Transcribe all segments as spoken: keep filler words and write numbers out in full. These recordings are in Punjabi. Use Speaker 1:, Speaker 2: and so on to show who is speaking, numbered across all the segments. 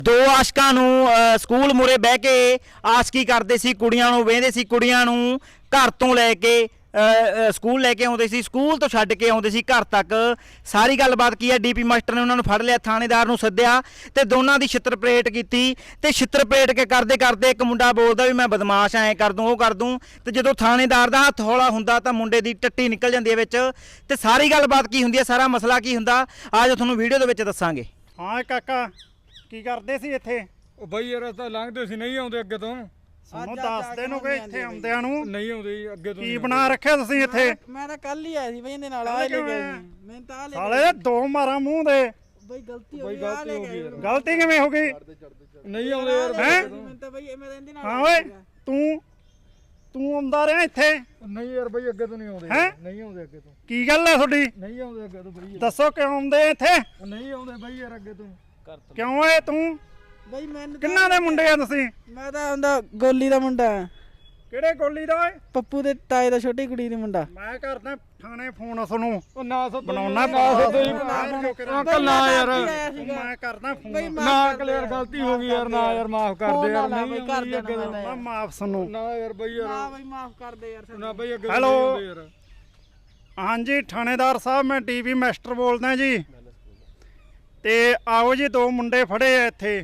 Speaker 1: ਦੋ ਆਸ਼ਕਾਂ ਨੂੰ ਅ, ਸਕੂਲ ਮੂਰੇ ਬਹਿ ਕੇ ਆਸ਼ਕੀ ਕਰਦੇ ਸੀ, ਕੁੜੀਆਂ ਨੂੰ ਵੇਂਦੇ ਸੀ, ਕੁੜੀਆਂ ਨੂੰ ਘਰ ਤੋਂ ਲੈ ਕੇ ਅ, ਅ, ਸਕੂਲ ਲੈ ਕੇ ਆਉਂਦੇ ਸੀ, ਸਕੂਲ ਤੋਂ ਛੱਡ ਕੇ ਆਉਂਦੇ ਸੀ ਘਰ ਤੱਕ। ਸਾਰੀ ਗੱਲਬਾਤ ਕੀ ਹੈ, ਡੀਪੀ ਮਾਸਟਰ ਨੇ ਉਹਨਾਂ ਨੂੰ ਫੜ ਲਿਆ, ਥਾਣੇਦਾਰ ਨੂੰ ਸੱਦਿਆ ਤੇ ਦੋਨਾਂ ਦੀ ਛਿੱਤਰ ਪਰੇਡ ਕੀਤੀ ਤੇ ਛਿੱਤਰ ਪਰੇਡ ਕੇ ਕਰਦੇ ਕਰਦੇ ਇੱਕ ਮੁੰਡਾ ਬੋਲਦਾ ਵੀ ਮੈਂ ਬਦਮਾਸ਼ ਐਂ ਕਰ ਦੂੰ ਉਹ ਕਰ ਦੂੰ, ਤੇ ਜਦੋਂ ਥਾਣੇਦਾਰ ਦਾ ਹੱਥ ਹੌਲਾ ਹੁੰਦਾ ਤਾਂ ਮੁੰਡੇ ਦੀ ਟੱਟੀ ਨਿਕਲ ਜਾਂਦੀ ਹੈ ਵਿੱਚ। ਤੇ ਸਾਰੀ ਗੱਲਬਾਤ ਕੀ ਹੁੰਦੀ ਹੈ, ਸਾਰਾ ਮਸਲਾ ਕੀ ਹੁੰਦਾ, ਆਜੋ ਤੁਹਾਨੂੰ ਵੀਡੀਓ ਦੇ ਵਿੱਚ ਦੱਸਾਂਗੇ।
Speaker 2: ਹਾਂ ਕਾਕਾ ਕੀ ਕਰਦੇ ਸੀ ਇੱਥੇ?
Speaker 3: ਉਹ ਬਈ ਯਾਰ ਤਾਂ ਲੰਘਦੇ ਸੀ, ਨਹੀਂ ਆਉਂਦੇ ਅੱਗੇ ਤੋਂ।
Speaker 2: ਸਾਨੂੰ ਦੱਸਦੇ ਨੂੰ ਕਿ ਇੱਥੇ ਆਉਂਦਿਆਂ ਨੂੰ
Speaker 3: ਨਹੀਂ ਆਉਂਦੇ ਜੀ ਅੱਗੇ ਤੋਂ।
Speaker 2: ਕੀ ਬਣਾ ਰੱਖਿਆ ਤੁਸੀਂ ਇੱਥੇ?
Speaker 4: ਮੈਂ ਤਾਂ ਕੱਲ ਹੀ ਆਇਆ ਸੀ ਬਈ ਇਹਦੇ ਨਾਲ ਆ ਲੈ ਕੇ ਆਇਆ ਸੀ ਮੈਂ ਤਾਂ ਆ ਲੈ
Speaker 2: ਸਾਲੇ ਦੋ ਮਾਰਾਂ ਮੂੰਹ ਦੇ।
Speaker 4: ਬਈ ਗਲਤੀ ਹੋ
Speaker 3: ਬਈ
Speaker 4: ਗਈ ਆ
Speaker 3: ਗਲਤੀ
Speaker 4: ਲੈ
Speaker 3: ਹੋ
Speaker 4: ਕੇ
Speaker 3: ਗਈ
Speaker 4: ਆਇਆ
Speaker 3: ਯਾਰ।
Speaker 2: ਗਲਤੀ ਕਿਵੇਂ ਹੋ ਗਈ?
Speaker 3: ਨਹੀਂ ਆਉਂਦੇ ਯਾਰ
Speaker 2: ਹੈਂ?
Speaker 4: ਮੈਂ ਤਾਂ ਬਈ ਮੈਂ ਤਾਂ ਇਹਦੇ ਨਾਲ
Speaker 2: ਹਾਂ ਓਏ ਤੂੰ ਤੂੰ ਆਉਂਦਾ ਰਿਹਾ ਇੱਥੇ?
Speaker 3: ਨਹੀਂ ਯਾਰ ਬਈ ਅੱਗੇ ਤੋਂ ਨਹੀਂ ਆਉਂਦੇ।
Speaker 2: ਹੈਂ?
Speaker 3: ਨਹੀਂ ਆਉਂਦੇ ਅੱਗੇ ਤੋਂ।
Speaker 2: ਕੀ ਗੱਲ ਹੈ ਤੁਹਾਡੀ?
Speaker 3: ਨਹੀਂ ਆਉਂਦੇ ਅੱਗੇ ਤੋਂ ਬਈ।
Speaker 2: ਦੱਸੋ ਕਿਉਂ ਆਉਂਦੇ ਇੱਥੇ?
Speaker 3: ਨਹੀਂ ਆਉਂਦੇ ਬਈ ਯਾਰ ਅੱਗੇ ਤੋਂ।
Speaker 2: ਕਿਉਂ ਏ ਤੂੰ?
Speaker 4: ਬਈ ਮੈਨੂੰ
Speaker 2: ਕਿੰਨਾ ਦੇ ਮੁੰਡੇ ਆ ਤੁਸੀਂ?
Speaker 4: ਮੈਂ ਤਾਂ ਉਹਦਾ ਗੋਲੀ ਦਾ ਮੁੰਡਾ
Speaker 2: ਕਿਹੜੇ ਗੋਲੀ ਦਾ ਓਏ?
Speaker 4: ਪੱਪੂ ਦੇ ਤਾਏ ਦਾ ਛੋਟੀ ਕੁੜੀ ਦਾ ਮੁੰਡਾ।
Speaker 2: ਮੈਂ ਕਰਦਾ ਥਾਣੇ ਫੋਨ ਤੁਹਾਨੂੰ।
Speaker 3: ਉਹ ਨਾ ਸੋ
Speaker 2: ਬਣਾਉਣਾ
Speaker 3: ਨਾ ਸੋ
Speaker 4: ਅੰਕਲ
Speaker 3: ਨਾ ਯਾਰ
Speaker 2: ਮੈਂ ਕਰਦਾ
Speaker 4: ਬਈ
Speaker 2: ਫੋਨ।
Speaker 3: ਨਾ ਕਲੀਅਰ ਗਲਤੀ ਹੋ ਗਈ ਯਾਰ, ਨਾ ਯਾਰ ਮਾਫ ਕਰ ਦੇ ਯਾਰ। ਨਹੀਂ
Speaker 4: ਬਈ ਕਰ
Speaker 3: ਆਉਂਦੀ ਅੱਗੇ
Speaker 4: ਦੇਣਾ
Speaker 3: ਤੋਂ।
Speaker 4: ਮੈਂ
Speaker 2: ਮੈਂ ਮਾਫ ਸੁਣੋ।
Speaker 3: ਨਾ ਯਾਰ ਬਈ
Speaker 4: ਨਾ
Speaker 3: ਯਾਰ
Speaker 4: ਬਈ ਮਾਫ ਕਰ ਦੇ ਯਾਰ
Speaker 3: ਨਾ ਬਈ ਅੱਗੇ ਤੋਂ
Speaker 2: ਹੈਲੋ।
Speaker 3: ਨਹੀਂ ਆਉਂਦੇ ਯਾਰ।
Speaker 2: ਹਾਂਜੀ ਥਾਣੇਦਾਰ ਸਾਹਿਬ ਮੈਂ ਟੀਵੀ ਮਾਸਟਰ ਬੋਲਦਾ ਜੀ। ਤੇ ਆਓ ਜੀ ਦੋ ਮੁੰਡੇ ਫੜੇ ਆ ਇੱਥੇ।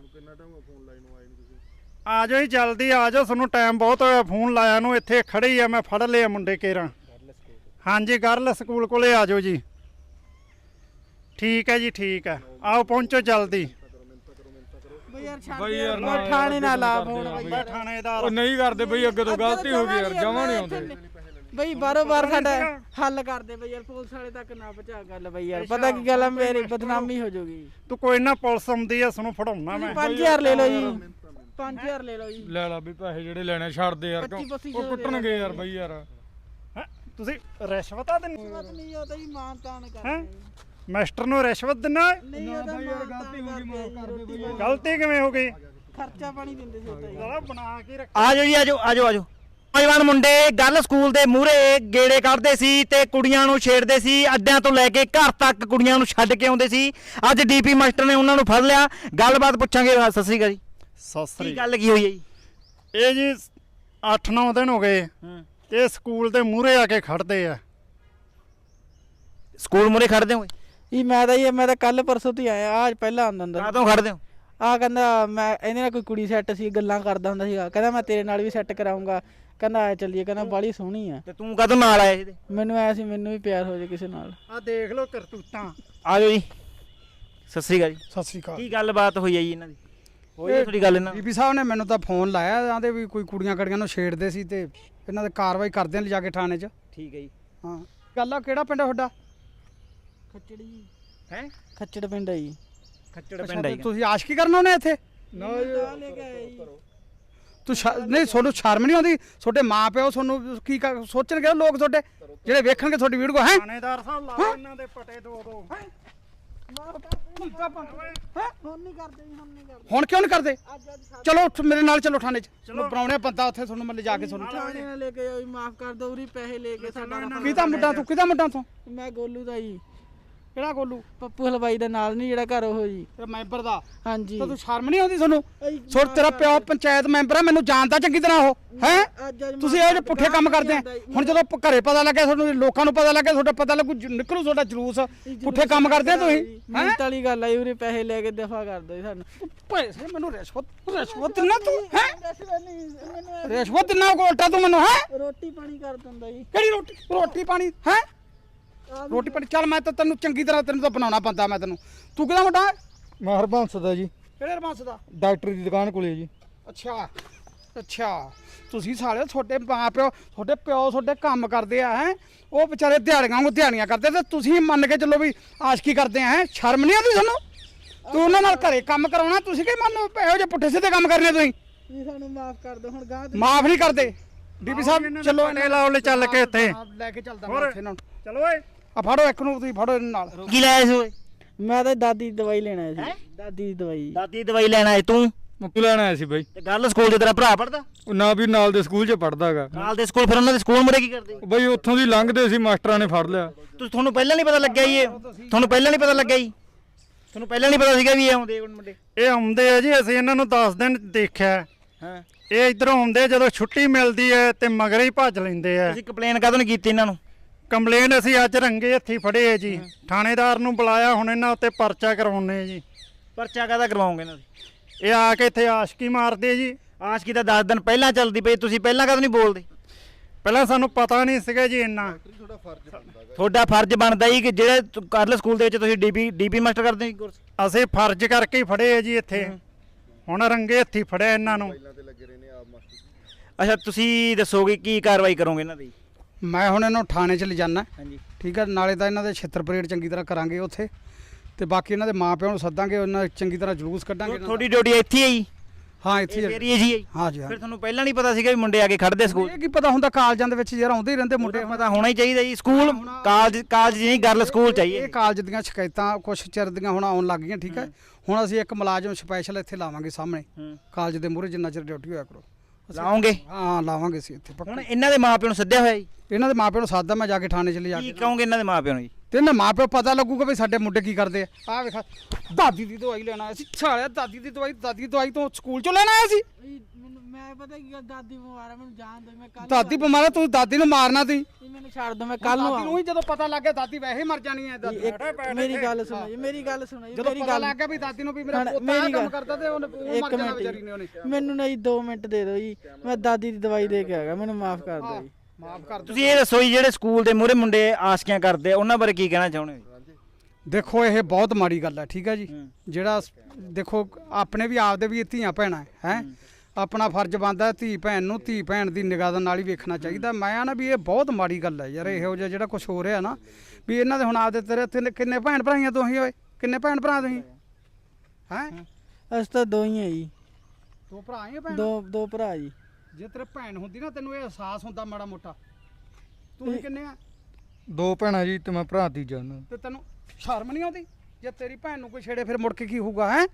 Speaker 2: ਆ ਜਾਓ ਜੀ ਜਲਦੀ ਆ ਜਾਓ, ਤੁਹਾਨੂੰ ਟਾਈਮ ਬਹੁਤ ਹੋਇਆ ਫੋਨ ਲਾਇਆ ਨੂੰ। ਇੱਥੇ ਖੜੇ ਹੀ ਆ, ਮੈਂ ਫੜ ਲਿਆ ਮੁੰਡੇ ਕੇਰਾਂ। ਹਾਂਜੀ ਗਰਲ ਸਕੂਲ ਕੋਲੇ ਆ ਜਾਓ ਜੀ। ਠੀਕ ਹੈ ਜੀ ਠੀਕ ਹੈ, ਆਓ ਪਹੁੰਚੋ ਜਲਦੀ।
Speaker 4: ਬਈ ਯਾਰ ਛੱਡ
Speaker 3: ਬਈ
Speaker 4: ਦੇ
Speaker 3: ਯਾਰ ਨਾ
Speaker 4: ਯਾਰ ਥਾਣੇ ਨਾਲ ਲਾ
Speaker 3: ਯਾਰ
Speaker 4: ਫੋਨ
Speaker 3: ਕਰਦੇ
Speaker 4: ਬਈ।
Speaker 2: ਮੈਂ ਥਾਣੇਦਾਰ
Speaker 3: ਉਹ ਨਹੀਂ ਕਰਦੇ ਬਈ ਅੱਗੇ ਤੋਂ ਗਲਤੀ ਹੋ ਗਈ ਯਾਰ, ਜਮਾ ਨਹੀਂ ਆਉਂਦੇ।
Speaker 4: ਬਈ ਬਾਰੋ ਬਾਰ ਸਾਡਾ ਹੱਲ ਕਰ ਦੇ ਬਈ ਯਾਰ, ਪੁਲਿਸ ਵਾਲੇ ਤੱਕ ਨਾ ਪਹੁੰਚਾ ਗੱਲ ਬਈ ਯਾਰ। ਪਤਾ ਕੀ ਗੱਲ ਆ, ਮੇਰੀ ਬਦਨਾਮੀ ਹੋ ਜਾਊਗੀ।
Speaker 2: ਤੂੰ ਕੋਈ ਨਾ ਪੁਲਿਸ ਆਉਂਦੀ ਆ, ਤੁਹਾਨੂੰ ਫੜਾਉਣਾ ਮੈਂ।
Speaker 4: ਪੰਜ ਹਜ਼ਾਰ ਲੈ ਲਓ ਜੀ, ਪੰਜ ਹਜ਼ਾਰ ਲੈ ਲਓ ਜੀ।
Speaker 3: ਲੈ ਲਾ ਵੀ ਪੈਸੇ ਜਿਹੜੇ ਲੈਣੇ ਛੱਡ ਦੇ ਯਾਰ,
Speaker 4: ਪੱਚੀ ਪੱਚੀ
Speaker 3: ਉਹ ਕੁੱਟਣਗੇ ਯਾਰ ਬਈ ਯਾਰ।
Speaker 2: ਹੈਂ? ਤੁਸੀਂ ਰਿਸ਼ਵਤਾਂ ਦਿੰਦੇ?
Speaker 4: ਰਿਸ਼ਵਤ ਨਹੀਂ, ਉਹ ਤਾਂ ਜੀ ਮਾਨ ਤਾਨ
Speaker 2: ਹੈਂ?
Speaker 4: ਕਰਦੇ
Speaker 2: ਮਾਸਟਰ ਨੂੰ ਰਿਸ਼ਵਤ ਦਿੰਨਾ?
Speaker 4: ਨਹੀਂ
Speaker 3: ਨਾ
Speaker 4: ਉਹ ਤਾਂ
Speaker 3: ਬਈ ਯਾਰ
Speaker 4: ਮਾਨ
Speaker 3: ਗਲਤੀ
Speaker 4: ਤਾਨ
Speaker 3: ਹੋ ਗਈ, ਮਾਫ ਕਰ ਦੇ ਬਈ ਯਾਰ।
Speaker 2: ਗਲਤੀ ਕਿਵੇਂ ਹੋ ਗਈ?
Speaker 4: ਖਰਚਾ ਪਾਣੀ ਦਿੰਦੇ ਸੀ ਉਹ ਤਾਂ ਜੀ।
Speaker 2: ਸਾਲਾ ਬਣਾ ਕੇ ਰੱਖ।
Speaker 1: ਆਜੋ ਜੀ ਆਜੋ ਆਜੋ ਆਜੋ। ਨੌਜਵਾਨ ਮੁੰਡੇ ਗੱਲ ਸਕੂਲ ਦੇ ਮੂਹਰੇ ਗੇੜੇ ਕੱਢਦੇ ਸੀ ਤੇ ਕੁੜੀਆਂ ਨੂੰ ਛੇੜਦੇ ਸੀ, ਅੱਡਿਆਂ ਤੋਂ ਲੈ ਕੇ ਘਰ ਤੱਕ ਕੁੜੀਆਂ ਨੂੰ ਛੱਡ ਕੇ ਆਉਂਦੇ ਸੀ। ਅੱਜ ਡੀਪੀ ਮਾਸਟਰ ਨੇ ਉਹਨਾਂ ਨੂੰ ਫੜ ਲਿਆ, ਗੱਲਬਾਤ ਪੁੱਛਾਂਗੇ। ਸਤਿ ਸ੍ਰੀ ਅਕਾਲ ਜੀ,
Speaker 2: ਸਤਿ
Speaker 1: ਕੀ
Speaker 2: ਸ੍ਰੀ
Speaker 1: ਗੱਲ ਕੀ ਹੋਈ ਹੈ ਜੀ?
Speaker 2: ਇਹ ਜੀ ਅੱਠ ਨੌ ਦਿਨ ਹੋ ਗਏ
Speaker 1: ਹੂੰ,
Speaker 2: ਇਹ ਸਕੂਲ ਦੇ ਮੂਹਰੇ ਆ ਕੇ ਖੜਦੇ ਆ।
Speaker 1: ਸਕੂਲ ਮੂਹਰੇ ਖੜਦੇ ਹੋ?
Speaker 4: ਇਹ ਮੈਂ ਤਾਂ ਇਹ ਮੈਂ ਤਾਂ ਕੱਲ ਪਰਸੋਂ ਤੋਂ ਹੀ ਆਇਆ, ਆਜ ਪਹਿਲਾਂ ਆਉਂਦਾ ਹੁੰਦਾ।
Speaker 1: ਕਾਹਤੋਂ ਖੜਦੇ ਹੋ?
Speaker 4: ਆ ਕਹਿੰਦਾ ਮੈਂ ਇਹਦੇ ਨਾਲ ਕੋਈ ਕੁੜੀ ਸੈੱਟ ਸੀ, ਗੱਲਾਂ ਕਰਦਾ ਹੁੰਦਾ ਸੀਗਾ, ਕਹਿੰਦਾ ਮੈਂ ਤੇਰੇ ਨਾਲ ਵੀ ਸੈੱਟ ਕਰਾਉਂਗਾ, ਕਹਿੰਦਾ ਆ ਚੱਲੀਏ, ਕਹਿੰਦਾ ਬਾਲੀ ਸੋਹਣੀ ਆ।
Speaker 1: ਤੇ ਤੂੰ ਕਦੋਂ ਨਾਲ ਆਇਆ ਇਹਦੇ?
Speaker 4: ਮੈਨੂੰ ਐ ਸੀ ਮੈਨੂੰ ਵੀ ਪਿਆਰ ਹੋ ਜਾਏ ਕਿਸੇ ਨਾਲ।
Speaker 2: ਆ ਦੇਖ ਲਓ ਕਰਤੂਤਾਂ।
Speaker 1: ਆਜੋ ਜੀ, ਸਤਿ ਸ੍ਰੀ ਅਕਾਲ ਜੀ।
Speaker 5: ਸਤਿ ਸ੍ਰੀ ਅਕਾਲ।
Speaker 1: ਕੀ ਗੱਲਬਾਤ ਹੋਈ ਹੈ ਜੀ ਇਹਨਾਂ ਦੀ? ਹੋਈ ਹੈ ਥੋੜੀ ਗੱਲ ਇਹਨਾਂ ਦੀ?
Speaker 5: ਬੀਬੀ ਸਾਹਿਬ ਨੇ ਮੈਨੂੰ ਤਾਂ ਫੋਨ ਲਾਇਆ, ਆਂਦੇ ਵੀ ਕੋਈ ਕੁੜੀਆਂ ਕੜੀਆਂ ਨੂੰ ਛੇੜਦੇ ਸੀ ਤੇ ਇਹਨਾਂ ਦੇ ਕਾਰਵਾਈ ਕਰਦੇ ਨੇ ਲਿਜਾ ਕੇ ਥਾਣੇ 'ਚ।
Speaker 1: ਠੀਕ ਹੈ ਜੀ।
Speaker 5: ਹਾਂ ਗੱਲ ਆ, ਕਿਹੜਾ ਪਿੰਡ ਆ ਤੁਹਾਡਾ?
Speaker 4: ਖੱਚੜ ਜੀ,
Speaker 1: ਹੈ
Speaker 4: ਖੱਚੜ ਪਿੰਡ ਆ ਜੀ।
Speaker 1: ਖੱਚੜ
Speaker 5: ਅੱਛਾ,
Speaker 1: ਪਿੰਡ
Speaker 5: ਤੇ
Speaker 1: ਆਈ।
Speaker 5: ਤੁਸੀਂ ਆਸ਼ਕੀ ਕਰਨ ਆਉਨੇ ਇੱਥੇ?
Speaker 3: ਨਾ
Speaker 4: ਮੈਂ
Speaker 3: ਯਾਰ
Speaker 4: ਤਾਂ ਲੈ ਕੇ ਆਇਆ ਜੀ।
Speaker 5: ਤੂੰ ਸ਼ਰ- ਨਹੀਂ ਤੁਹਾਨੂੰ ਸ਼ਰਮ ਨਹੀਂ ਆਉਂਦੀ? ਤੁਹਾਡੇ ਮਾਂ ਪਿਓ ਤੁਹਾਨੂੰ ਕੀ ਕਰ- ਸੋਚਣਗੇ ਲੋਕ ਤੁਹਾਡੇ ਜਿਹੜੇ ਵੇਖਣਗੇ ਤੁਹਾਡੀ ਵੀਡੀਓ ਹੈ?
Speaker 2: ਥਾਣੇਦਾਰ ਸਾਹਿਬ ਲਾ ਇਹਨਾਂ ਦੇ ਪਟੇ ਦੋ ਦੋ।
Speaker 4: ਹੁਣ ਨਹੀਂ ਕਰਦੇ ਜੀ, ਹੁਣ ਨਹੀਂ ਕਰਦੇ।
Speaker 5: ਹੁਣ ਕਿਉਂ ਨਹੀਂ ਕਰਦੇ?
Speaker 4: ਅੱਜ ਅੱਜ ਸਾਡੇ
Speaker 5: ਚਲੋ ਉੱਠ ਮੇਰੇ ਨਾਲ ਚਲੋ ਥਾਣੇ 'ਚ। ਚਲੋ ਬਣਾਉਣੇ ਬੰਦਾ ਉੱਥੇ ਤੁਹਾਨੂੰ ਮੈਂ ਲਿਜਾ ਕੇ ਤੁਹਾਨੂੰ।
Speaker 4: ਥਾਣੇ ਨਾਲ ਲੈ ਕੇ ਆਓ ਜੀ, ਮਾਫ ਕਰ ਦਿਓ, ਉਰੀ ਪੈਸੇ ਲੈ ਕੇ ਸਾਡਾ ਰਫਾ-
Speaker 5: ਕਿਹਦਾ ਮੁੰਡਾ ਤੂੰ? ਕਿਹਦਾ ਮੁੰਡਾ ਤੂੰ?
Speaker 4: ਮੈਂ ਗੋਲੂ ਦਾ ਜੀ,
Speaker 5: ਕਿਹੜਾ ਗੋਲੂ?
Speaker 4: ਪੱਪੂ ਹਲਵਾਈ ਦਾ ਨਾਲ ਨਹੀਂ ਜਿਹੜਾ ਘਰ ਉਹ ਜੀ।
Speaker 5: ਤੇਰਾ ਮੈਂਬਰ ਦਾ?
Speaker 4: ਹਾਂਜੀ
Speaker 5: ਤਾਂ ਤੂੰ ਸ਼ਰਮ ਨਹੀਂ ਆਉਂਦੀ ਤੁਹਾਨੂੰ?
Speaker 4: ਅਈ
Speaker 5: ਛੋਟ ਤੇਰਾ ਪਿਓ ਪੰਚਾਇਤ ਮੈਂਬਰ ਆ, ਮੈਨੂੰ ਜਾਣਦਾ ਚੰਗੀ ਤਰ੍ਹਾਂ ਉਹ ਹੈ।
Speaker 4: ਅੱਜ ਅੱਜ
Speaker 5: ਤੁਸੀਂ ਇਹ ਜਿਹੇ ਪੁੱਠੇ ਕੰਮ ਕਰਦੇ ਆ। ਹੁਣ ਜਦੋਂ ਪ- ਘਰੇ ਪਤਾ ਲੱਗਿਆ ਤੁਹਾਨੂੰ, ਲੋਕਾਂ ਨੂੰ ਪਤਾ ਲੱਗਿਆ, ਤੁਹਾਡਾ ਪਤਾ ਲੱਗੂ, ਜ- ਨਿਕਲੂ ਤੁਹਾਡਾ ਜਲੂਸ। ਪੁੱਠੇ ਕੰਮ ਕਰਦੇ ਆ ਤੁਸੀਂ ਹੈ।
Speaker 4: ਮਿੰਟ ਵਾਲੀ ਗੱਲ ਆ ਜੀ, ਉਰੇ ਪੈਸੇ ਲੈ ਕੇ ਦਫਾ ਕਰ ਦਿਓ ਜੀ ਸਾਨੂੰ।
Speaker 5: ਪੈਸੇ ਮੈਨੂੰ ਰਿਸ਼ਵਤ ਰਿਸ਼ਵਤ ਦਿੰਨਾ ਤੂੰ ਹੈ? ਰਿਸ਼ਵਤ ਦਿੰਨਾ ਉਲਟਾ ਤੂੰ ਮੈਨੂੰ ਹੈ?
Speaker 4: ਰੋਟੀ ਪਾਣੀ ਕਰ ਦਿੰਦਾ ਜੀ।
Speaker 5: ਕਿਹੜੀ ਰੋਟੀ ਰੋਟੀ ਪਾਣੀ ਹੈ? ਰੋਟੀ ਪਾਣੀ ਚੱਲ ਮੈਂ ਤਾਂ ਤੈਨੂੰ ਚੰਗੀ ਤਰ੍ਹਾਂ ਤੈਨੂੰ ਤਾਂ ਬਣਾਉਣਾ ਪੈਂਦਾ ਮੈਂ ਤੈਨੂੰ। ਤੂੰ ਕਿਹਦਾ ਮੁੰਡਾ?
Speaker 3: ਮਹਰਬੰਸ ਦਾ ਜੀ,
Speaker 5: ਕਿਹੜੇ ਰਮਾਂਸ ਦਾ?
Speaker 3: ਡਾਕਟਰ ਦੀ ਦੁਕਾਨ ਕੋਲੇ ਜੀ।
Speaker 5: ਅੱਛਾ ਅੱਛਾ, ਤੁਸੀਂ ਸਾਲੇ ਤੁਹਾਡੇ ਮਾਂ ਪਿਓ ਤੁਹਾਡੇ ਪਿਓ ਤੁਹਾਡੇ ਕੰਮ ਕਰਦੇ ਆ ਹੈ, ਉਹ ਵਿਚਾਰੇ ਦਿਹਾੜੀਆਂ ਨੂੰ ਦਿਹਾੜੀਆਂ ਕਰਦੇ ਤੇ ਤੁਸੀਂ ਮੰਨ ਕੇ ਚੱਲੋ ਵੀ ਆਸ਼ਕੀ ਕਰਦੇ ਆ ਹੈ। ਸ਼ਰਮ ਨਹੀਂ ਆਉਂਦੀ ਤੁਹਾਨੂੰ? ਤੂੰ ਉਹਨਾਂ ਨਾਲ ਘਰੇ ਕੰਮ ਕਰਾਉਣਾ, ਤੁਸੀਂ ਕੀ ਮੰਨ ਇਹੋ ਜਿਹੇ ਪੁੱਠੇ ਸਿੱਧੇ ਕੰਮ ਕਰਨੇ ਤੁਸੀਂ?
Speaker 4: ਜੀ ਸਾਨੂੰ ਮਾਫ ਕਰ ਦਿਓ, ਹੁਣ ਗਾਂ
Speaker 5: ਮਾਫ ਨਹੀਂ ਕਰਦੇ। ਡੀਪੀ ਸਾਹਿਬ ਚਲੋ
Speaker 2: ਪਟੇ ਲਾਓ ਲੈ ਚੱਲ ਕੇ ਇੱਥੇ।
Speaker 5: ਲੈ ਕੇ ਚੱਲਦਾ ਮੈਂ
Speaker 2: ਹੋਰ?
Speaker 5: ਇੱਥੇ ਇਹਨਾਂ ਨੂੰ।
Speaker 2: ਚਲੋ ਓਏ
Speaker 5: ਆ ਫੜੋ ਇੱਕ ਨੂੰ, ਤੁਸੀਂ ਫੜੋ ਇਹਨਾਂ ਨਾਲ।
Speaker 1: ਕੀ ਲਾਇਆ ਸੀ ਓਏ?
Speaker 4: ਮੈਂ ਤਾਂ ਦਾਦੀ ਦੀ ਦਵਾਈ ਲੈਣਾ ਸੀ।
Speaker 1: ਹੈਂ?
Speaker 4: ਦਾਦੀ ਦੀ ਦਵਾਈ।
Speaker 1: ਦਾਦੀ ਦੀ ਦਵਾਈ ਲੈਣ ਆਏ ਤੂੰ?
Speaker 3: ਮੁੱਕ ਲੈਣ ਆਇਆ ਸੀ ਬਈ।
Speaker 1: ਤੇ ਗੱਲ ਸਕੂਲ ਦੇ ਤੇਰਾ ਭਰਾ ਪੜਦਾ?
Speaker 3: ਉਹ ਨਾ ਵੀ ਨਾਲ ਦੇ ਸਕੂਲ 'ਚ ਪੜਦਾਗਾ
Speaker 1: ਨਾਲ ਦੇ ਸਕੂਲ, ਫਿਰ ਉਹਨਾਂ ਦੇ ਸਕੂਲ ਮੁਰੇ ਕੀ ਕਰਦੇ?
Speaker 3: ਬਈ ਉੱਥੋਂ ਦੀ ਲੰਘਦੇ ਸੀ, ਮਾਸਟਰਾਂ ਨੇ ਫੜ ਲਿਆ।
Speaker 1: ਤੁਸੀਂ ਤੁਹਾਨੂੰ ਪਹਿਲਾਂ ਨਹੀਂ ਪਤਾ ਲੱਗਿਆ ਜੀ? ਇਹ ਤੁਹਾਨੂੰ ਪਹਿਲਾਂ ਨਹੀਂ ਪਤਾ ਲੱਗਿਆ ਜੀ? ਤੁਹਾਨੂੰ ਪਹਿਲਾਂ ਨਹੀਂ ਪਤਾ ਸੀਗਾ ਵੀ ਇਹ ਆਉਂਦੇ ਆ ਮੁੰਡੇ?
Speaker 2: ਇਹ ਆਉਂਦੇ ਆ ਜੀ, ਅਸੀਂ ਇਹਨਾਂ ਨੂੰ ਦਸ ਦਿਨ ਦੇਖਿਆ।
Speaker 1: ਹਾਂ,
Speaker 2: ਇਹ ਇਧਰੋਂ ਆਉਂਦੇ, ਜਦੋਂ ਛੁੱਟੀ ਮਿਲਦੀ ਹੈ ਤੇ ਮਗਰੇ ਹੀ ਭੱਜ ਲੈਂਦੇ ਆ।
Speaker 1: ਤੁਸੀਂ ਕੰਪਲੇਨ ਕਦੋਂ ਨਹੀਂ ਕੀਤੀ ਇਹਨਾਂ ਨੂੰ?
Speaker 2: ਕੰਪਲੇਨ ਅਸੀਂ ਅੱਜ ਰੰਗੇ ਹੱਥੀ ਫੜੇ ਆ ਜੀ, ਥਾਣੇਦਾਰ ਨੂੰ ਬੁਲਾਇਆ, ਹੁਣ ਇਹਨਾਂ ਉੱਤੇ ਪਰਚਾ ਕਰਵਾਉਣੇ ਆ ਜੀ।
Speaker 1: ਪਰਚਾ ਕਾਹਦਾ ਕਰਵਾਓਗੇ ਇਹਨਾਂ ਦੇ?
Speaker 2: ਇਹ ਆ ਕੇ ਇੱਥੇ ਆਸ਼ਕੀ ਮਾਰਦੇ ਜੀ।
Speaker 1: ਆਸ਼ਕੀ ਤਾਂ ਦਸ ਦਿਨ ਪਹਿਲਾਂ ਚੱਲਦੀ ਪਈ, ਤੁਸੀਂ ਪਹਿਲਾਂ ਕਦੋਂ ਨਹੀਂ ਬੋਲਦੇ?
Speaker 2: ਪਹਿਲਾਂ ਸਾਨੂੰ ਪਤਾ ਨਹੀਂ ਸੀਗਾ ਜੀ ਇੰਨਾ।
Speaker 1: ਤੁਹਾਡਾ ਫਰਜ਼ ਬਣਦਾ ਹੀ ਕਿ ਜਿਹੜੇ ਕਾਰਲ ਸਕੂਲ ਦੇ ਵਿੱਚ ਤੁਸੀਂ ਡੀਪੀ ਡੀਪੀ ਮਾਸਟਰ ਕਰਦੇ ਹੋ ਕੋਰਸ।
Speaker 2: ਅਸੀਂ ਫਰਜ਼ ਕਰਕੇ ਹੀ ਫੜੇ ਆ ਜੀ ਇੱਥੇ, ਹੁਣ ਰੰਗੇ ਹੱਥੀ ਫੜਿਆ ਇਹਨਾਂ ਨੂੰ।
Speaker 1: ਅੱਛਾ, ਤੁਸੀਂ ਦੱਸੋਗੇ ਕੀ ਕਾਰਵਾਈ ਕਰੋਗੇ ਇਹਨਾਂ ਦੀ?
Speaker 5: ਮੈਂ ਹੁਣ ਇਹਨੂੰ ਥਾਣੇ 'ਚ ਲਿਜਾਨਾ,
Speaker 1: ਹਾਂਜੀ,
Speaker 5: ਠੀਕ ਹੈ। ਨਾਲੇ ਤਾਂ ਇਹਨਾਂ ਦੇ ਛਿੱਤਰ ਪਰੇਡ ਚੰਗੀ ਤਰ੍ਹਾਂ ਕਰਾਂਗੇ ਉੱਥੇ, ਤੇ ਬਾਕੀ ਇਹਨਾਂ ਦੇ ਮਾਪਿਆਂ ਨੂੰ ਸੱਦਾਂਗੇ, ਉਹਨਾਂ ਦਾ ਚੰਗੀ ਤਰ੍ਹਾਂ ਜਲੂਸ ਕੱਢਾਂਗੇ ਇਹਨਾਂ ਦਾ।
Speaker 1: ਤੁਹਾਡੀ ਡਿਊਟੀ ਇੱਥੇ ਹੈ ਜੀ?
Speaker 5: ਹਾਂ ਇੱਥੇ
Speaker 1: ਇਹ
Speaker 5: ਹੀ।
Speaker 1: ਏਰੀਆ ਜੀ ਹੈ ਜੀ?
Speaker 5: ਹਾਂ ਜੀ ਹਾਂ।
Speaker 1: ਫਿਰ ਤੁਹਾਨੂੰ ਪਹਿਲਾਂ ਨਹੀਂ ਪਤਾ ਸੀਗਾ ਵੀ ਮੁੰਡੇ ਆ ਕੇ ਖੜਦੇ ਸਕੂਲ?
Speaker 5: ਇਹ ਕੀ ਪਤਾ ਹੁੰਦਾ, ਕਾਲਜਾਂ ਦੇ ਵਿੱਚ ਯਾਰ ਆਉਂਦੇ ਹੀ ਰਹਿੰਦੇ ਮੁੰਡੇ।
Speaker 1: ਮੁੰਡੇ ਪਤਾ ਹੋਣਾ ਹੀ ਚਾਹੀਦਾ ਜੀ। ਸਕੂਲ ਕਾਲਜ ਕਾਲਜ ਨਹੀਂ, ਗਰਲ ਸਕੂਲ ਚਾਹੀਏ।
Speaker 5: ਇਹ ਕਾਲਜ ਦੀਆਂ ਸ਼ਿਕਾਇਤਾਂ ਕੁਛ ਚਿਰ ਦੀਆਂ ਹੁਣ ਆਉਣ ਲੱਗ ਗਈਆਂ, ਠੀਕ ਹੈ। ਹੁਣ ਅਸੀਂ ਇੱਕ ਮੁਲਾਜ਼ਮ ਸਪੈਸ਼ਲ ਇੱਥੇ ਲਾਵਾਂਗੇ ਸਾਹਮਣੇ ਕਾਲਜ ਦੇ ਮੂਹਰੇ, ਜਿੰਨਾ ਚਿਰ ਡਿਊਟੀ ਹੋਇਆ ਕਰੋ।
Speaker 1: ਲਾਓਗੇ?
Speaker 5: ਹਾਂ ਲਾਵਾਂਗੇ ਅਸੀਂ ਇੱਥੇ ਪੱਕਾ।
Speaker 1: ਹੁਣ ਇਹਨਾਂ ਦੇ ਮਾਪਿਆਂ ਨੂੰ ਸੱਦਿਆ ਹੋਇਆ ਜੀ?
Speaker 5: ਇਹਨਾਂ ਦੇ ਮਾਪਿਆਂ ਨੂੰ ਸਾਦਾ, ਮੈਂ ਜਾ ਕੇ ਥਾਣੇ 'ਚ ਲਿਜਾ
Speaker 1: ਕੀ
Speaker 5: ਕੇ
Speaker 1: ਕਹੋਗੇ ਇਹਨਾਂ ਦੇ ਮਾਪਿਆਂ ਨੂੰ ਜੀ?
Speaker 5: ਤੇ ਇਹਨਾਂ ਮਾਪਿਓ ਪਤਾ ਲੱਗੂਗਾ ਵੀ ਸਾਡੇ ਮੁੰਡੇ ਕੀ ਕਰਦੇ ਆ। ਆਹ ਵੇਖ, ਦਾਦੀ ਦੀ ਦਵਾਈ ਲੈਣ ਆਇਆ ਸੀ, ਛਾਲਿਆ ਦਾਦੀ ਦੀ ਦਵਾਈ, ਦਾਦੀ ਦੀ ਦਵਾਈ ਤੋਂ ਸਕੂਲ 'ਚੋਂ ਲੈਣ ਆਇਆ ਸੀ।
Speaker 4: ਮੈਨੂੰ ਮੈਂ ਪਤਾ ਕੀ ਗੱਲ, ਦਾਦੀ ਬਿਮਾਰ ਆ, ਮੈਨੂੰ ਜਾਣ ਦੋ, ਮੈਂ ਕੱਲ
Speaker 5: ਦਾਦੀ ਬਿਮਾਰ ਆ, ਤੂੰ ਦਾਦੀ ਨੂੰ ਮਾਰਨਾ ਤੀ।
Speaker 4: ਮੈਨੂੰ ਛੱਡ ਦੋ, ਮੈਂ ਕੱਲ ਨੂੰ
Speaker 5: ਦਾਦੀ ਨੂੰ ਹੀ ਜਦੋਂ ਪਤਾ ਲੱਗ ਗਿਆ ਦਾਦੀ ਵੈਸੇ ਮਰ ਜਾਣੀ ਹੈ। ਦਾਦੀ
Speaker 4: ਇੱਕ ਮੇਰੀ ਗੱਲ ਸੁਣੋ ਜੀ, ਮੇਰੀ ਗੱਲ ਸੁਣੋ ਜੀ,
Speaker 5: ਜਦੋਂ
Speaker 4: ਮੇਰੀ
Speaker 5: ਪਤਾ
Speaker 4: ਗੱਲ
Speaker 5: ਲੱਗ ਗਿਆ ਵੀ ਦਾਦੀ ਨੂੰ ਵੀ ਮੇਰਾ
Speaker 4: ਹੁਣ
Speaker 5: ਪੋਤਾ
Speaker 4: ਮੇਰੀ
Speaker 5: ਇਹ ਕੰਮ
Speaker 4: ਗੱਲ-
Speaker 5: ਕਰਦਾ ਤੇ ਉਹਨੇ ਉਹ
Speaker 4: ਇੱਕ
Speaker 5: ਮਰ ਜਾਣਾ
Speaker 4: ਮਿੰਟ
Speaker 5: ਵਿਚਾਰੀ ਨੇ ਉਹਨੇ।
Speaker 4: ਜੀ, ਮੈਨੂੰ ਨਹੀਂ ਦੋ ਮਿੰਟ ਦੇ ਦਿਓ ਜੀ, ਮੈਂ ਦਾਦੀ ਦੀ ਦਵਾਈ ਦੇ ਕੇ ਆ ਗਿਆ, ਮੈਨੂੰ ਮਾਫ ਕਰ ਦਿਓ ਜੀ।
Speaker 5: ਮਾਫ ਕਰ ਦਿਓ।
Speaker 1: ਤੁਸੀਂ ਇਹ ਦੱਸੋ ਜੀ, ਜਿਹੜੇ ਸਕੂਲ ਦੇ ਮੂਹਰੇ ਮੁੰਡੇ ਆਸ਼ਕੀਆਂ ਕਰਦੇ ਆ, ਉਹਨਾਂ ਬਾਰੇ ਕੀ ਕਹਿਣਾ ਚਾਹੁੰਦੇ ਹੋ?
Speaker 5: ਦੇਖੋ ਇਹ ਬਹੁਤ ਮਾੜੀ ਗੱਲ ਹੈ, ਠੀਕ ਹੈ ਜੀ। ਜਿਹੜਾ ਦੇਖੋ ਆਪਣੇ ਵੀ ਆਪਦੇ ਵੀ ਧੀਆਂ ਭੈਣਾਂ ਹੈ ਹੈ ਆਪਣਾ ਫਰਜ਼ ਬਣਦਾ ਧੀ ਭੈਣ ਨੂੰ ਧੀ ਭੈਣ ਦੀ ਨਿਗਾਹ ਦੇ ਨਾਲ ਹੀ ਵੇਖਣਾ ਚਾਹੀਦਾ। ਮੈਂ ਆ ਨਾ ਵੀ ਇਹ ਬਹੁਤ ਮਾੜੀ ਗੱਲ ਹੈ ਯਾਰ, ਇਹੋ ਜਿਹਾ ਜਿਹੜਾ ਕੁਝ ਹੋ ਰਿਹਾ ਨਾ, ਵੀ ਇਹਨਾਂ ਦੇ ਹੁਣ ਆਪਦੇ ਤੇਰੇ ਤਿੰਨ- ਕਿੰਨੇ ਭੈਣ ਭਰਾਈਆਂ ਤੁਸੀਂ ਓਏ, ਕਿੰਨੇ ਭੈਣ ਭਰਾ ਤੁਸੀਂ ਹੈ?
Speaker 4: ਅਸੀਂ ਤਾਂ ਦੋ ਹੀ ਆ ਜੀ,
Speaker 5: ਦੋ ਭਰਾ ਹੀ ਆ ਭੈਣ?
Speaker 4: ਦੋ ਦੋ ਭਰਾ ਜੀ।
Speaker 5: ਜੇ ਤੇਰੇ ਭੈਣ ਹੁੰਦੀ ਨਾ ਤੈਨੂੰ ਇਹ ਅਹਿਸਾਸ ਹੁੰਦਾ ਮਾੜਾ ਮੋਟਾ। ਤੁਸੀਂ ਕਿੰਨੇ ਆ?
Speaker 3: ਦੋ ਭੈਣਾਂ ਜੀ ਤੇ ਮੈਂ ਭਰਾ ਤੀਜਾ ਉਹਨਾਂ ਦਾ।
Speaker 5: ਤੇ ਤੈਨੂੰ ਸ਼ਰਮ ਨਹੀਂ ਆਉਂਦੀ? ਜੇ ਤੇਰੀ ਭੈਣ ਨੂੰ ਕੋਈ ਛੇੜੇ ਫਿਰ ਮੁੜ ਕੇ ਕੀ ਹੋਊਗਾ ਹੈ?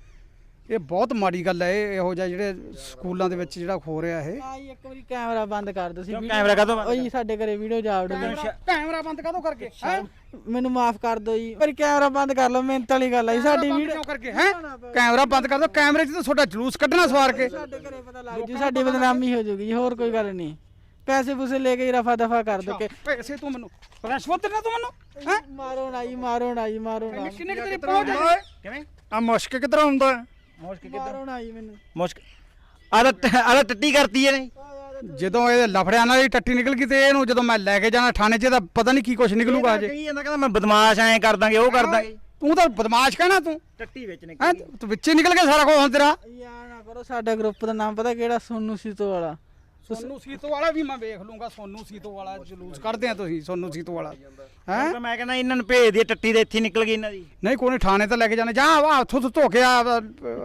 Speaker 5: ਇਹ ਬਹੁਤ ਮਾੜੀ ਗੱਲ ਹੈ, ਇਹ ਇਹੋ ਜਿਹਾ ਜਿਹੜੇ ਸਕੂਲਾਂ ਦੇ ਵਿੱਚ ਜਿਹੜਾ ਹੋ ਰਿਹਾ ਇਹ।
Speaker 4: ਆ ਜੀ ਇੱਕ ਵਾਰੀ ਕੈਮਰਾ ਬੰਦ ਕਰ ਦਿਓ ਸੀ।
Speaker 1: ਕਿਉਂ ਕੈਮਰਾ ਕਾਹਤੋਂ ਬੰਦ
Speaker 4: ਉਹ ਜੀ ਸਾਡੇ ਘਰੇ ਵੀਡੀਓ ਜਾ ਵੜ
Speaker 5: ਕੈਮਰਾ ਕੈਮਰਾ ਬੰਦ ਕਾਹਤੋਂ ਕਰਕੇ ਹੈ?
Speaker 4: ਮੈਨੂੰ ਮਾਫ ਕਰ ਦਿਓ ਜੀ, ਪਰ ਕੈਮਰਾ ਬੰਦ ਕਰ ਲਓ, ਮਿਹਨਤ ਵਾਲੀ ਗੱਲ ਹੈ ਜੀ। ਸਾਡੀ ਵੀਡੀਓ
Speaker 5: ਕਿਉਂ ਕਰਕੇ ਹੈ? ਕੈਮਰਾ ਬੰਦ ਕਰ ਦਿਓ, ਕੈਮਰੇ 'ਚ ਤਾਂ ਤੁਹਾਡਾ ਜਲੂਸ ਕੱਢਣਾ ਸਵਾਰ ਕੇ।
Speaker 4: ਸਾਡੇ ਘਰੇ ਪਤਾ ਲੱਗ ਜੂ, ਸਾਡੀ ਬਦਨਾਮੀ ਹੋ ਜੂਗੀ ਜੀ, ਹੋਰ ਕੋਈ ਗੱਲ ਨਹੀਂ। ਪੈਸੇ ਪੂਸੇ ਲੈ ਕੇ ਰਫਾ ਦਫਾ ਕਰ ਦੋ ਕਿ
Speaker 5: ਪੈਸੇ ਤੂੰ ਮੈਨੂੰ ਰਿਸ਼ਵਤ ਦੇਣਾ ਤੂੰ ਮੈਨੂੰ ਹੈ?
Speaker 4: ਮਾਰੋ ਨਾ ਜੀ, ਮਾਰੋ ਨਾ ਜੀ, ਮਾਰੋ ਨਾ,
Speaker 5: ਕਿੰਨੇ ਕਿ ਤੇਰੀ ਪਹੁੰਚ ਹੈ?
Speaker 1: ਕਿਵੇਂ
Speaker 2: ਆ ਮੁਸ਼ਕ ਕਿੱਧਰ ਆਉਂਦਾ?
Speaker 1: ਮੁਸ਼ਕ
Speaker 4: ਮਾਰੋ ਨਾ ਜੀ ਮੈਨੂੰ।
Speaker 1: ਮੁਸ਼ਕ ਆਲਾ ਆਲਾ ਟੱਟੀ ਕਰਤੀ ਹੈ ਨਹੀਂ?
Speaker 5: ਜਦੋਂ ਇਹ ਲਫੜਿਆਂ ਨਾਲ ਹੀ ਟੱਟੀ ਨਿਕਲ ਗਈ ਤੇ ਇਹਨੂੰ ਜਦੋਂ ਮੈਂ ਲੈ ਕੇ ਜਾਣਾ ਥਾਣੇ 'ਚ ਤਾਂ ਪਤਾ ਨਹੀਂ ਕੀ ਕੁਛ ਨਿਕਲੂਗਾ ਅਜੇ।
Speaker 1: ਕਹੀ ਜਾਂਦਾ, ਕਹਿੰਦਾ ਮੈਂ ਬਦਮਾਸ਼ ਐਂ ਕਰ ਦਾਂਗੇ, ਉਹ ਕਰ ਦਾਂਗੇ।
Speaker 5: ਤੂੰ ਤਾਂ ਬਦਮਾਸ਼ ਕਹਿਣਾ ਤੂੰ
Speaker 1: ਟੱਟੀ ਵਿੱਚ ਨੇ
Speaker 5: ਹੈ? ਤੂੰ ਵਿੱਚੇ ਨਿਕਲ ਗਿਆ ਸਾਰਾ ਕੁਝ ਹੁਣ ਤੇਰਾ।
Speaker 4: ਯਾਰ ਨਾ ਕਰੋ, ਸਾਡਾ ਗਰੁੱਪ ਦਾ ਨਾਮ ਪਤਾ ਕਿਹੜਾ? ਸੋਨੂ ਸੀਤੋ ਵਾਲਾ।
Speaker 5: ਸੋਨੂ ਸੀਤੋ ਵਾਲਾ ਵੀ ਮੈਂ ਵੇਖ ਲੂੰਗਾ। ਸੋਨੂ ਸੀਤੋ ਵਾਲਾ ਜਲੂਸ ਕੱਢਦੇ ਆ ਤੁਸੀਂ, ਸੋਨੂ ਸੀਤੋ ਵਾਲਾ ਹੈ?
Speaker 1: ਮੈਂ ਕਹਿੰਦਾ ਇਹਨਾਂ ਨੂੰ ਭੇਜ ਦੀ ਟੱਟੀ ਦੇ ਇੱਥੇ ਨਿਕਲ ਗਈ ਇਹਨਾਂ ਦੀ।
Speaker 5: ਨਹੀਂ ਕੋਈ ਨਹੀਂ, ਥਾਣੇ ਤਾਂ ਲੈ ਕੇ ਜਾਣੇ। ਜਾ ਵਾ ਉੱਥੋਂ ਤੋਂ ਧੋ ਕੇ ਆ,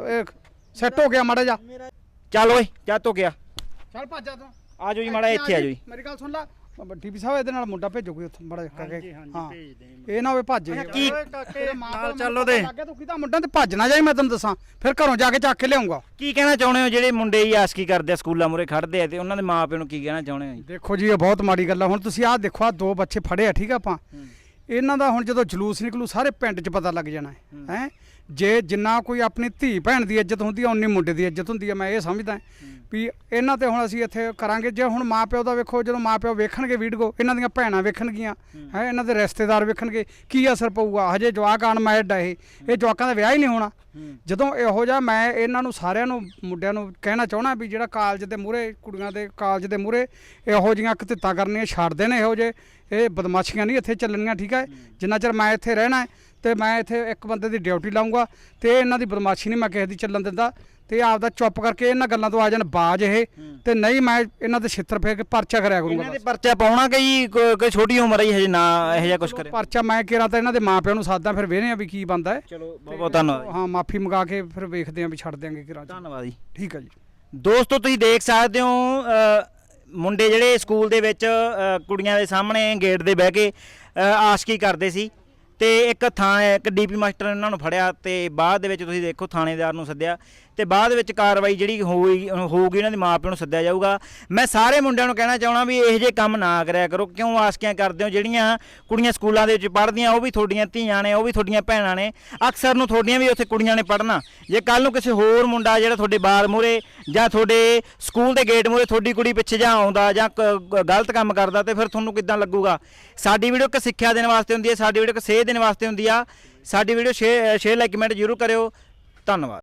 Speaker 5: ਸੈੱਟ ਹੋ ਗਿਆ ਮਾੜਾ ਜਾ।
Speaker 1: ਚੱਲ ਓਏ, ਜਾ ਧੋ ਗਿਆ।
Speaker 5: ਚੱਲ ਭੱਜ ਜਾ ਤੂੰ।
Speaker 1: ਆ ਜਾਓ ਜੀ ਮਾੜਾ ਇੱਥੇ ਆ ਜਾਓ ਜੀ।
Speaker 5: ਮੇਰੀ ਗੱਲ ਸੁਣ ਲੈ, ਡੀਪੀ ਸਾਹਿਬ ਇਹਦੇ ਨਾਲ ਮੁੰਡਾ ਭੇਜੋ ਕੋਈ ਉੱਥੋਂ ਮਾੜਾ ਜਿਹਾ ਕਰਕੇ।
Speaker 2: ਹਾਂਜੀ,
Speaker 5: ਹਾਂ
Speaker 2: ਭੇਜਦੇ
Speaker 5: ਇਹ ਨਾ ਹੋਵੇ ਭੱਜੇ।
Speaker 1: ਕੀ
Speaker 2: ਨਾਲ ਚੱਲੋ ਦੇ।
Speaker 5: ਲੱਗੇ ਤੂੰ ਕਿਹਦਾ ਮੁੰਡਾ ਤੇ ਭੱਜ ਨਾ ਜਾਈ, ਮੈਂ ਤੈਨੂੰ ਦੱਸਾਂ ਫਿਰ ਘਰੋਂ ਜਾ ਕੇ ਚੱਕ ਕੇ ਲਿਆਉਂਗਾ।
Speaker 1: ਕੀ ਕਹਿਣਾ ਚਾਹੁੰਦੇ ਹੋ ਜਿਹੜੇ ਮੁੰਡੇ ਹੀ ਆਸ਼ਕੀ ਕਰਦੇ ਆ, ਸਕੂਲਾਂ ਮੂਹਰੇ ਖੜਦੇ ਆ, ਤੇ ਉਹਨਾਂ ਦੇ ਮਾਪਿਆਂ ਨੂੰ ਕੀ ਕਹਿਣਾ ਚਾਹੁੰਦੇ ਹੋ ਜੀ?
Speaker 5: ਦੇਖੋ ਜੀ ਇਹ ਬਹੁਤ ਮਾੜੀ ਗੱਲ ਆ। ਹੁਣ ਤੁਸੀਂ ਆਹ ਦੇਖੋ, ਆ ਦੋ ਬੱਚੇ ਫੜੇ ਆ, ਠੀਕ ਆ। ਆਪਾਂ ਇਹਨਾਂ ਦਾ ਹੁਣ ਜਦੋਂ ਜਲੂਸ ਨਿਕਲੂ ਸਾਰੇ ਪਿੰਡ 'ਚ ਪਤਾ ਲੱਗ ਜਾਣਾ ਹੈ ਹੈ ਜੇ ਜਿੰਨਾ ਕੋਈ ਆਪਣੀ ਧੀ ਭੈਣ ਦੀ ਇੱਜ਼ਤ ਹੁੰਦੀ ਆ, ਉਨੀ ਮੁੰਡੇ ਦੀ ਇੱਜ਼ਤ ਹੁੰਦੀ ਆ। ਮੈਂ ਇਹ ਸਮਝਦਾ ਵੀ ਇਹਨਾਂ ਤੇ ਹੁਣ ਅਸੀਂ ਇੱਥੇ ਕਰਾਂਗੇ। ਜੇ ਹੁਣ ਮਾਂ ਪਿਓ ਦਾ ਵੇਖੋ, ਜਦੋਂ ਮਾਂ ਪਿਓ ਵੇਖਣਗੇ ਵੀਡੀਓ, ਇਹਨਾਂ ਦੀਆਂ ਭੈਣਾਂ ਵੇਖਣਗੀਆਂ ਹੈ, ਇਹਨਾਂ ਦੇ ਰਿਸ਼ਤੇਦਾਰ ਵੇਖਣਗੇ, ਕੀ ਅਸਰ ਪਊਗਾ? ਹਜੇ ਜਵਾਕ ਅਨਮੈਰਿਡ ਆ, ਇਹ ਇਹ ਜਵਾਕਾਂ ਦਾ ਵਿਆਹ ਹੀ ਨਹੀਂ ਹੋਣਾ। ਜਦੋਂ ਇਹੋ ਜਿਹਾ ਮੈਂ ਇਹਨਾਂ ਨੂੰ ਸਾਰਿਆਂ ਨੂੰ ਮੁੰਡਿਆਂ ਨੂੰ ਕਹਿਣਾ ਚਾਹੁੰਦਾ ਵੀ ਜਿਹੜਾ ਕਾਲਜ ਦੇ ਮੂਹਰੇ, ਕੁੜੀਆਂ ਦੇ ਕਾਲਜ ਦੇ ਮੂਹਰੇ ਇਹੋ ਜਿਹੀਆਂ ਕਤਿੱਤਾਂ ਕਰਨੀਆਂ ਛੱਡ ਦੇਣ। ਇਹੋ ਜਿਹੇ ਇਹ ਬਦਮਾਸ਼ੀਆਂ ਨਹੀਂ ਇੱਥੇ ਚੱਲਣੀਆਂ, ਠੀਕ ਹੈ। ਜਿੰਨਾ ਚਿਰ ਮੈਂ ਇੱਥੇ ਰਹਿਣਾ ਹੈ ਤੇ ਮੈਂ ਇੱਥੇ ਇੱਕ ਬੰਦੇ ਦੀ ਡਿਊਟੀ ਲਾਉਂਗਾ ਤੇ ਇਹਨਾਂ ਦੀ ਬਦਮਾਸ਼ੀ ਨਹੀਂ ਮੈਂ ਕਿਸੇ ਦੀ ਚੱਲਣ ਦਿੰਦਾ। ਤੇ ਆਪਦਾ ਚੁੱਪ ਕਰਕੇ ਇਹਨਾਂ ਗੱਲਾਂ ਤੋਂ ਆ ਜਾਣ ਬਾਜ ਇਹ, ਤੇ ਨਹੀਂ ਮੈਂ ਇਹਨਾਂ ਦੇ ਛਿੱਤਰ ਫੇਰ ਕੇ ਪਰਚਾ ਕਰਿਆ ਕਰੂੰਗਾ।
Speaker 1: ਇਹਨਾਂ ਦੇ ਪਰਚਾ ਪਾਉਣਾ ਕਿ ਕੋਈ ਛੋਟੀ ਉਮਰ ਹੀ ਹਜੇ ਨਾ ਇਹੋ ਜਿਹਾ ਕੁਝ ਕਰੇ?
Speaker 5: ਪਰਚਾ ਮੈਂ ਕਿਹਾ ਤਾਂ ਇਹਨਾਂ ਦੇ ਮਾਪਿਆਂ ਨੂੰ ਸਾਦਾ, ਫਿਰ ਵੇਖਦੇ ਆ ਵੀ ਕੀ ਬਣਦਾ ਹੈ।
Speaker 1: ਚਲੋ ਬਹੁਤ ਬਹੁਤ ਧੰਨਵਾਦ।
Speaker 5: ਹਾਂ ਮਾਫੀ ਮੰਗਾ ਕੇ ਫਿਰ ਵੇਖਦੇ ਆ ਵੀ ਛੱਡ ਦਿਆਂਗੇ ਕਿਰਾਂ।
Speaker 1: ਧੰਨਵਾਦ ਜੀ।
Speaker 5: ਠੀਕ ਹੈ ਜੀ।
Speaker 1: ਦੋਸਤੋ ਤੁਸੀਂ ਦੇਖ ਸਕਦੇ ਹੋ ਅ, ਮੁੰਡੇ ਜਿਹੜੇ ਸਕੂਲ ਦੇ ਵਿੱਚ ਅ, ਕੁੜੀਆਂ ਦੇ ਸਾਹਮਣੇ ਗੇਟ ਦੇ ਬਹਿ ਕੇ ਅ, ਆਸ਼ਕੀ ਕਰਦੇ ਸੀ, ਤੇ ਇੱਕ ਥਾਂ ਇੱਕ ਡੀਪੀ ਮਾਸਟਰ ਨੇ ਉਹਨਾਂ ਨੂੰ ਫੜਿਆ ਤੇ ਬਾਅਦ ਦੇ ਵਿੱਚ ਤੁਸੀਂ ਦੇਖੋ ਥਾਣੇਦਾਰ ਨੂੰ ਸੱਦਿਆ ਤੇ ਬਾਅਦ ਵਿੱਚ ਕਾਰਵਾਈ ਜਿਹੜੀ ਹੋਈ ਹੋਊਗੀ ਉਹਨਾਂ ਦੇ ਮਾਪਿਆਂ ਨੂੰ ਸੱਦਿਆ ਜਾਊਗਾ। ਮੈਂ ਸਾਰੇ ਮੁੰਡਿਆਂ ਨੂੰ ਕਹਿਣਾ ਚਾਹਣਾ ਵੀ ਇਹੋ ਜਿਹੇ ਕੰਮ ਨਾ ਕਰਿਆ ਕਰੋ। ਕਿਉਂ ਆਸਕੀਆਂ ਕਰਦੇ ਹੋ? ਜਿਹੜੀਆਂ ਕੁੜੀਆਂ ਸਕੂਲਾਂ ਦੇ ਵਿੱਚ ਪੜ੍ਹਦੀਆਂ ਉਹ ਵੀ ਤੁਹਾਡੀਆਂ ਧੀਆਂ ਨੇ, ਉਹ ਵੀ ਤੁਹਾਡੀਆਂ ਭੈਣਾਂ ਨੇ, ਅਕਸਰ ਨੂੰ ਤੁਹਾਡੀਆਂ ਵੀ ਉੱਥੇ ਕੁੜੀਆਂ ਨੇ ਪੜ੍ਹਨਾ। ਜੇ ਕੱਲ ਨੂੰ ਕਿਸੇ ਹੋਰ ਮੁੰਡਾ ਜਿਹੜਾ ਤੁਹਾਡੇ ਬਾਰ ਮੂਹਰੇ ਜਾਂ ਤੁਹਾਡੇ ਸਕੂਲ ਦੇ ਗੇਟ ਮੂਹਰੇ ਤੁਹਾਡੀ ਕੁੜੀ ਪਿੱਛੇ ਜਾਂ ਆਉਂਦਾ ਜਾਂ ਕ- ਗਲਤ ਕੰਮ ਕਰਦਾ ਤੇ ਫਿਰ ਤੁਹਾਨੂੰ ਕਿੱਦਾਂ ਲੱਗੂਗਾ? ਸਾਡੀ ਵੀਡੀਓ ਇੱਕ ਸਿੱਖਿਆ ਦੇਣ ਵਾਸਤੇ ਹੁੰਦੀ ਹੈ, ਸਾਡੀ ਵੀਡੀਓ ਇੱਕ ਸੇਧ ਦੇਣ ਵਾਸਤੇ ਹੁੰਦੀ ਆ। ਸਾਡੀ video share share like comment ਜ਼ਰੂਰ ਕਰਿਓ। ਧੰਨਵਾਦ।